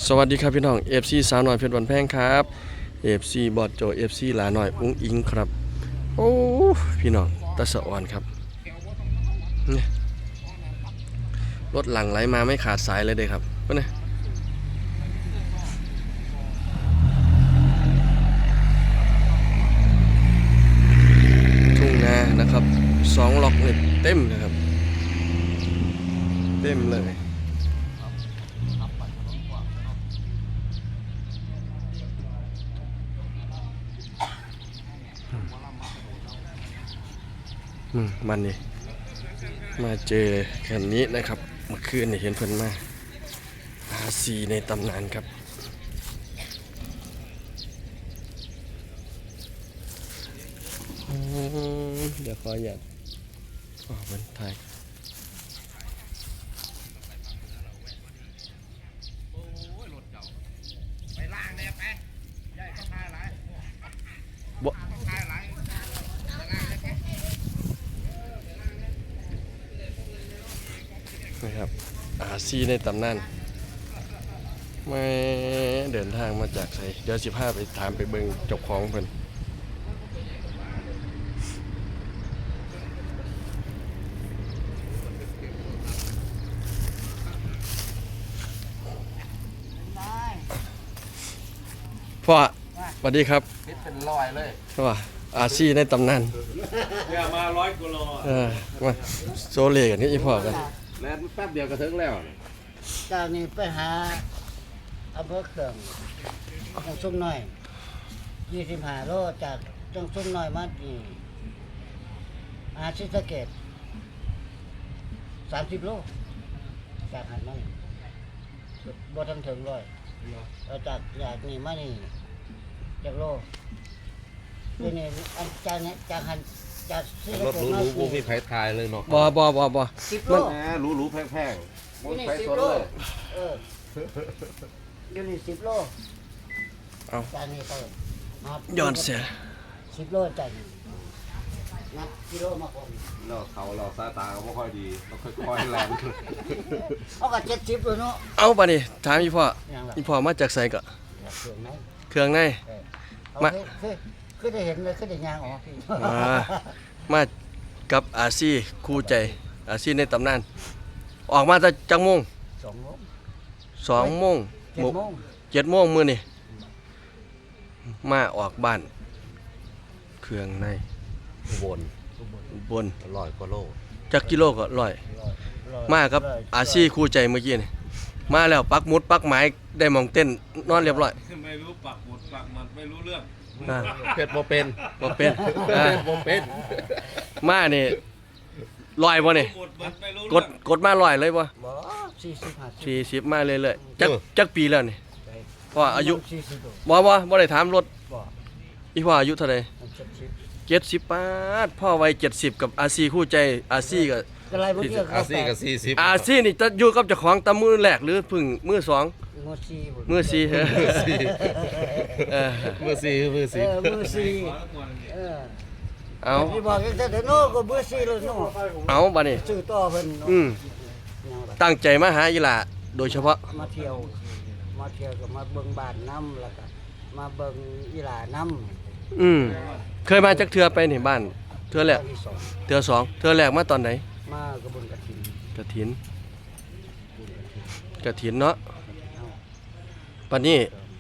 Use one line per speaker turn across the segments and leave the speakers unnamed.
สวัสดีครับพี่น้อง FC สาวน้อยเพชรวันแพงครับ FC บอดโจ FC หลาน้อยอุ้งอิงครับโอ้พี่น้องตะสะอ่อนครับนี่รถหลังไหลมาไม่ขาดสายเลยเด้ครับก็เนี่ยทุ่งนานะครับ2 ล็อกเนี่ยเต็มนะครับเต็มเลยมันนี่มาเจอคันนี้นะครับเมื่อคืนเห็นเพิ่นมาR4ในตำนานครับเดี๋ยวขออยากเพิ่นถ่ายบ่นะครับR4ในตำนานไม่เดินทางมาจากไสเดี๋ยว15ไปถามไปเบิ่งเจ้าของเพิ่นพ่อสวัสดีครับ
คิดเป็นร้อยเลย
ว่าR4ในตำนาน
เนี่ยมา100กิโล
มาโซเลกันนี่อีพ่อกัน
แล้วแป๊บเดียวก็ถึงแล้ว
จากนี้ไปหาอำเภอเขื่องจังสุ่มน้อย25 โลจากจังสุ่มน้อยมาที่ศรีสะเกษ30 โลจากหันมาบ่ทันถึงร้อยแล้วจากนี่มานี่จากโลนี่อันจากหันจากศรีสะ
รถ
เกษ
หรู
มา
ๆกูมีไผทายเลยเนาะ
บ่
10 โล
แหมหรูๆแพงๆบ่มีไผสน
โล
เลย
เดี๋ยวนี้10 โล
เอา
จากนี้ไปมา
ย้อนเสีย
10 โลจากนี้นับกิโลมาคน
เราเขาเราสายตาก็บ่ค่อยดีเราค่อยๆแรง
เอาก็70เลยเนาะ
เอาป่ะนี่ถามอีพ่อ
ยังล่ะ
อีพ่อมาจากไสก็
เครื่องไหน
เครื่องใน
มา
มา
คือได้เห็นเลยคือได้ยางออกพี่
มากับR4คู่ใจR4ในตำนานออกมาแต่จังโมง
2 โมง
2 โมง
7 โมง
7 โมงมื้อนี่มาออกบ้านเครื่องใน
บน
บน
100กว่าโล
จักกิโลก็ร้อยมากับR4คู่ใจเมื่อกี้นี่มาแล้วปักหมุดปักหมายได้หมองเต้นนอนเรียบร้อย
ไม่รู้ปักหมุดปักหมัดไม่รู้เรื่อง
เผ็ดบ่เป็น
บ่เป็นอ่า
บ่เป็น
มานี่ลอยบ่นี่
หมุดมันไม่รู้
กดกดมาลอยเลยบ่
บ่40
40มาเรื่อยๆจักปีแล้วนี่พ่ออายุ
40โล
บ่ได้ถามรถ
บ่
อีพ่ออายุเท่าใด
70
70ปาดพ่อวัย70กับR4คู่ใจR4ก็
ก็ไล่บ่เที่ยว
อาซี่ก็40
R4นี่จะอยู่กับเจ้าของตะมือแรกหรือเพึ่งมือ2
มือ4พุ่น
มือ4เออ
มือ4มือ
มือ4เออ
เอา
ที่บอกจังซี่เนาะก็มือ4เลยเนาะ
เอาบัดนี้
ซื้อต่อเพิ่นเนาะ ยังล่ะ
ตั้งใจมาหาอีหล่าโดยเฉพาะ
มาเที่ยวก็มาเบิ่งบ้านน้ำแล้วก็มาเบิ่งอีหลาน้ำ
เคยมาจักเทือไปนี่บ้านเทือแรก
ที่สอง
เทือสองเทือแรกมาตอนไหน
มากระบวนกระถิน
กฐินเนาะปันนี้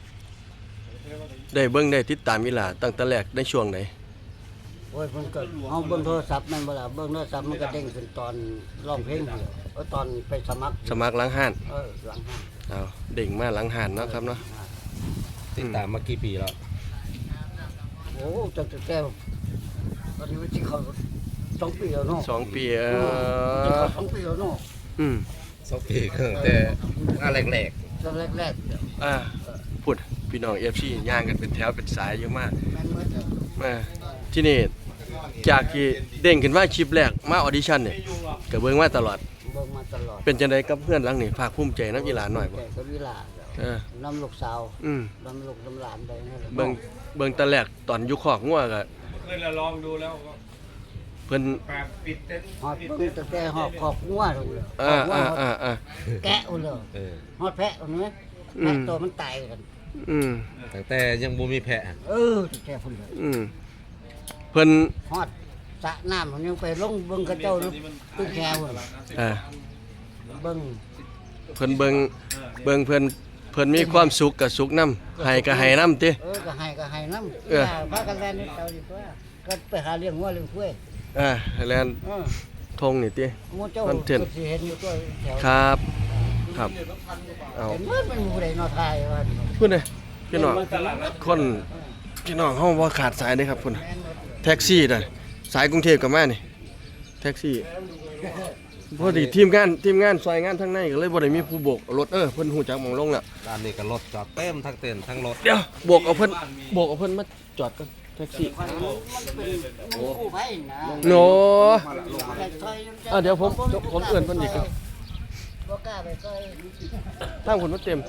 ได้เบิ่งได้ติดตามอีหล่าตั้งแต่แรกในช่วงไหน
โอ้ยเพิ่นก็เอาเบิ่งโทรศัพท์แม่นบ่ล่ะเบิ่งโทรศัพท์มันก็เด้งขึ้นตอนร้องเพลงเดียวตอนไปสมัคร
สมัครหลังห้าน
หลังห้าง
เอาเด้งมาหลังห้านเนาะครับเนาะ
ติดตามมากี่ปีแล้ว
โอ้ตั้งแต่ตอนนี้มันสิเข้า2 ปีแล้วเนาะ
2 ปี
สิเข้า2 ปีแล้วเนาะ
อืม
2 ปีตั้งแต่งานแรก
ตอนแรก
พูดพี่น้อง FC ย่างกันเป็นแถวเป็นสายเยอะมาก
ๆแม่นหมดแล้ว
มาที่นี่จากที่เด้งขึ้นมาคลิปแรกมาออดิชั่นเนี่ยก็เบิ่งมาตลอด
เบิ่งมาตลอด
เป็นจังไดกับเพื่อนหลังนี่ภาคภูมิใจนำอีหลานหน่อยบ่
แต่ก็วิลา
เออ
น้ำลูกสาว
อืม
น้ำลูกน้ำหลานไปนั่นแหละ
เบิ่งแตะแรกตอนอยู่คอกงัวก็
เคยลองดูแล้วก็
เพิ่น
แปดปิดเต็นท์
ฮอดเบิ่งตั้งแต่หอบขอกงัวเลย
อ่า
แกะเอาเลย
ๆ
ฮอดแพะเอาเนี้ย
อืม
แพะตัวมันตายกัน
อืม
ตั้งแต่ยังบ่มีแพะ
แค่พุ่นเลย
อืมเพิ่น
ฮอดสระน้ำมันยังไปลงเบิ่งกระเจ้าตุ้งแก้ว
อ่า
เบิ่ง
เพิ่นเบิ่งเพิ่นมีความสุขกับสุขนำให้ก็ให้นำติ
ก็ให้น้ำ
เออ
พากันแล่นนี่เจ้าดีกว่าก็ไปหาเลี้ยงวัวเลี้ยงควาย
แลนทงนี่ติ
หมู่เจ้า
คอนเทนต์
สิเห็นอยู่ตัวแถว
ครับครับเอา
เห็นมันอยู่ใดเนอไทยว่า
พุ่นเด้พี่น้องคนพี่น้องเฮาบ่ขาดสายเด้ครับพุ่นแท็กซี่น่ะสายกรุงเทพก็มานี่แท็กซี่พอดีทีมงานซอยงานทางในก็เลยบ่ได้มีผู้โบกรถเพิ่นฮู้จักหม่องลงแล้ว
ด้านนี้ก็รถจอดเต็มทั้งเต็นท์ทั้งรถ
เดี๋ยวโบกเอาเพิ่นมาจอดก่อนแท็กซี่
กู้ภัยนะ
โน
แต่ซอย
เดี๋ยวผมเอื้อนเพิ่นอีกครับ
บ่กล้าไปซอย
ทางคนมาเต็ม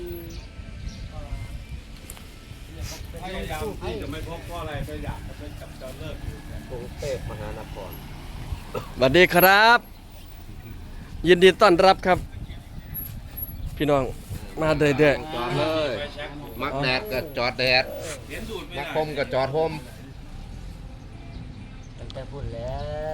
พยายามที่จะไม่พบเพราะอะไรไม่อยากจะไปจับจอเลิก
กรุงเทพมหานคร
สวัสดีครับ ยินดีต้อนรับครับ พี่น้องมาเรื่อย
จอดเลย
ไปแช็คดู
มักแดดก็จอดแดด
เห็นดูดไม่
มัก
ได้
คมก็จอดโฮม
ตั้งแต่พูดแล้ว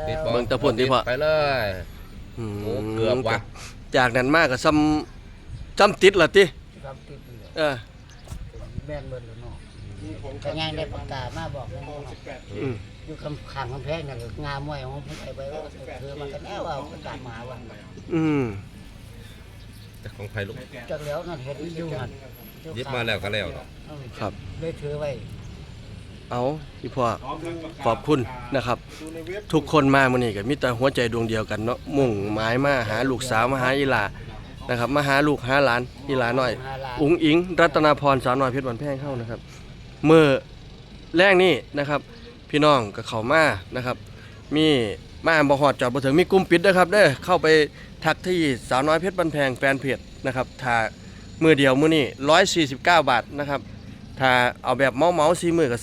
ติด
ๆเบิ่งตะพุ่นที่พ่อ
ไปเลย
อืม
โอ้เกือบว่ะ
จากนั้นมากก็ซ้ำติดล่ะติ
ครับติดอยู่
เออ
แม่นเบิ่นแล้วเนาะก็ยังได้ประกาศมาบอกแล้วเนาะ
อืม
อยู่คำข้างกำแพงนั่นก็งามมวยของผมไปว่าเธอมากันแล้วเอาประกาศมาว่า
อืม
แต่ของไผลูก
จักแล้วนั่นเห็นอยู่หั่น
หยิบมาแล้วก็แล้วเนาะ
ครับ
เลยถือไว้
เอาพี่พ่อ
พร้อมทั้งประกาศ
ขอบคุณนะครับ ทุกคนมามื้อนี้ก็มีแต่หัวใจดวงเดียวกันเนาะมุ่งหมายมาหาลูกสาวมาหาอีหลานะครับมาหาลูกหาหลานอีหลาน้อย อุ๋งอิงรัตนาพรสาวน้อยเพชรวันแพงเข้านะครับเมื่อแรกนี่นะครับ พี่น้องกับเขามานะครับ มีมาบ่ฮอดจอดบ่ถึงมีกลุ่มปิดด้วยครับเด้อเข้าไปทักที่สาวน้อยเพชรบันแพงแฟนเพจนะครับถ้ามือเดียวมือนี้149 บาทนะครับถ้าเอาแบบเมา4มื้อก็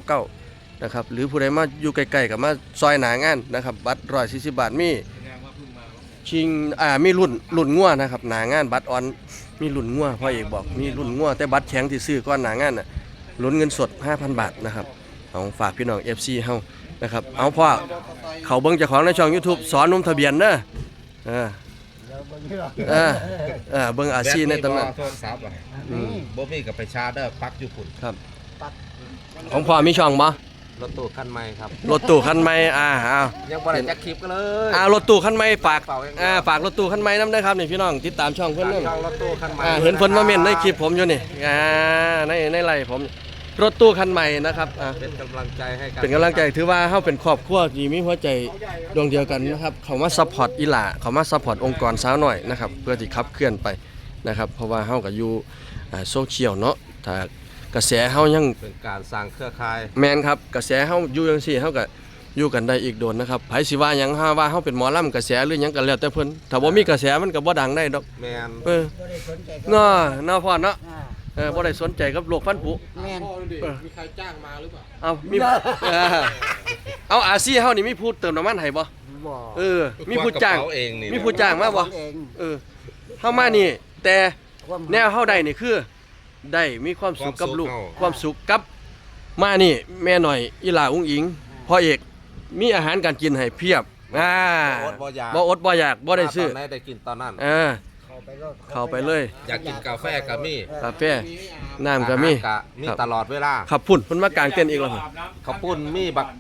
399นะครับหรือผู้ใดมาอยู่ใกล้ๆก็มาซอยหนางานนะครับบัตร140 บาทมี
แสดงว่าเพิ่งมา
ชิงมีรุ่นงัวนะครับหนางานบัตรออนมีรุ่นงัวพ่อเอกบอกมีรุ่นงัวแต่บัตรแข็งที่ซื้อก้อนหนางานน่ะลุ้นเงินสด 5,000 บาทนะครับเอาฝากพี่น้อง FC เฮานะครับเอาพ่อเขาเบิ่งเจ้าของในช่อง YouTube สอนหนุ่มทะเบียนเด้อเออ
แล้วเบิ่งอยู่หรอก
เบิ่งอาชีพในตำนาน
โทรศัพท์อ่ะ
อืม
บ่มีก็ไปชาร์จเด้อปลั๊กอยู่พุ่น
ครับของพ่อมีช่องบ่
รถตู้คันใหม่ครับ
รถตู้คันใหม่เอา
ยังบ่ได้จักคลิปกันเลย
รถตู้คันใหม่ฝากฝากรถตู้คันใหม่นำด้วยครับนี่พี่น้องติดตามช่องเพิ่นเด้อ
ช่องรถตู้คันใหม่
เห็นเพิ่นมาเม่นในคลิปผมอยู่นี่ในไลฟ์ผมรถตู้คันใหม่นะครับ
เป็นกำลังใจให้กัน
เป็นกำลังใจถือว่าเฮาเป็นครอบครัวที่มีหัวใจดวงเดียวกันนะครับเขามาซัพพอร์ตอีหล่าเขามาซัพพอร์ตองค์กรสาวน้อยนะครับเพื่อที่ขับเคลื่อนไปนะครับเพราะว่าเฮาก็อยู่โซเชียลเนาะถ้ากระแสเฮายัง
เป็นการสร้างเครือข่าย
แม่นครับกระแสเฮาอยู่จังซี่เฮาก็อยู่กันได้อีกโดนนะครับไผสิว่าหยังว่าเฮาเป็นหมอลำกระแสหรือหยังก็แล้วแต่เพิ่นถ้าบ่มีกระแสมันก็บ่ดังได้ดอก
แมน
เออ
บ่ได้สนใจกับ
เนาะเนาะพ่อเนาะ
อ่า
บ่ได้สนใจกับโลกฟันผุ
แม่น
มีใครจ้างมาหรือเปล่า
เอามีเอาอาซีเฮานี่มีผู้เติมน้ำมันให้บ่
บ่
มีผู้จ้าง
กระเป๋เองนี่
มีผู้จ้างมาบ่
เอง
เฮามานี่แต่
ความ
แนวเฮาได้นี่คือได้มีความสุขกับลูกความสุขกับมานี่แม่หน่อยอีหลาอุ้งอิงพ่อเอกมีอาหารการกินให้เพียบ
บ่อดบ่อยาก
บ่อดบ่อยากบ่ได้ซื้อ
ตอนไหนได้กินตอนนั้น
เข้าไปโลด
เข้าไปเลย
อยากกินกาแฟก็มี
กาแฟน้ำก็มี
อาหารก็มีตลอดเวลา
ขับพุ่นเพิ่นมากางเต้นท์อีกแล้ว
อาบน้ำ
ข้าวปุ้นมีบัก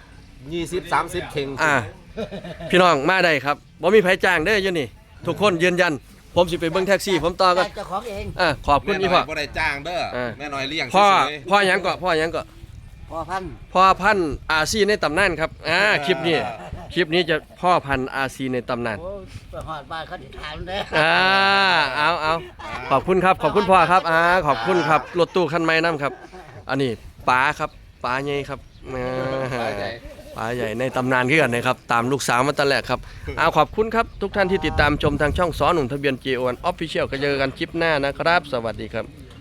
20-30เข่ง
พี่น้องมาได้ครับบ่มีไผจ้างเด้ออยู่นี่ทุกคนยืนยันผมสิไปเบิ่งแท็กซี่ผมต่อก็
เจ้าของเอง
ขอบคุณ
แม่
อี
น้
พ่
อ
อย
บ่ได้จ้างเด้อ
เออ
แม่น้อยเลี้ยง
พ่อ
เฉย
พ่อหยังก็พ่อหยังก็
พ่อพันธุ์
พ่อพันธุ์อาซีในตำนานครับคลิปนี้จะพ่อพันธุ์อาซีในตำนาน
โอ้ไปหอดบ้านเขาสิถามเด้อ
เอาขอบคุณครับขอบคุณพ่อครับขอบคุณครับรถตู้คันใหม่นํครับ อันนี้ป๋าครับป๋าใหญ่ครับ ป๋าใหญ่ในตำนานคือกันนะครับตามลูกสาวมาตั้งแรกครับขอบคุณครับทุกท่านที่ติดตามชมทางช่องสอหนุ่มทะเบียน J1 Official ก็เจอกันคลิปหน้านะครับ สวัสดีครับ